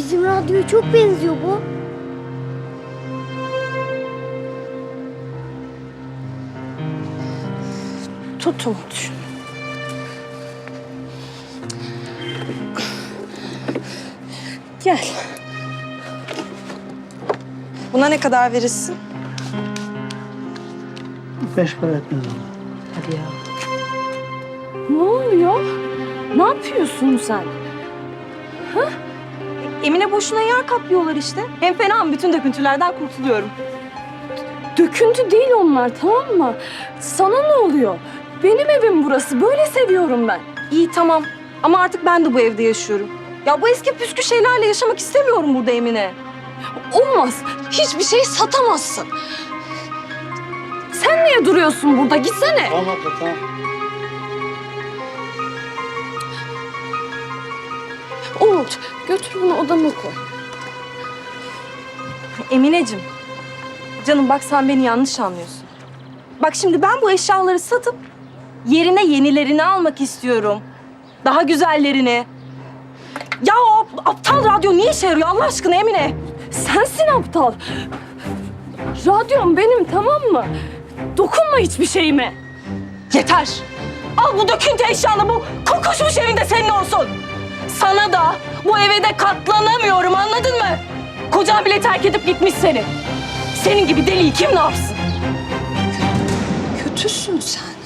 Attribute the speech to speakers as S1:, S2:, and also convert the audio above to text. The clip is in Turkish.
S1: Bizim radyoya çok benziyor bu.
S2: Tut Umut. Gel. Buna ne kadar verirsin?
S3: 5 para etmez ama.
S2: Hadi ya.
S4: Ne oluyor? Ne yapıyorsun sen?
S2: Emine boşuna yer kaplıyorlar işte. Hem fena mı? Bütün döküntülerden kurtuluyorum.
S4: Döküntü değil onlar, tamam mı? Sana ne oluyor? Benim evim burası. Böyle seviyorum ben.
S2: İyi tamam. Ama artık ben de bu evde yaşıyorum. Ya bu eski püskü şeylerle yaşamak istemiyorum burada Emine.
S4: Olmaz. Hiçbir şey satamazsın. Sen niye duruyorsun burada? Gitsene.
S3: Tamam abla tamam.
S4: Umut, götür bunu odama koy.
S2: Emineciğim. Canım bak sen beni yanlış anlıyorsun. Bak şimdi ben bu eşyaları satıp yerine yenilerini almak istiyorum. Daha güzellerini. Ya o aptal radyo niye işe yarıyor Allah aşkına Emine?
S4: Sensin aptal. Radyom benim, tamam mı? Dokunma hiçbir şeyime.
S2: Yeter. Al bu döküntü eşyanı, bu kokuşmuş evinde senin olsun. Sana da bu eve de katlanamıyorum, anladın mı? Kocan bile terk edip gitmiş seni. Senin gibi deliyi kim ne yapsın?
S4: Kötüsün sen.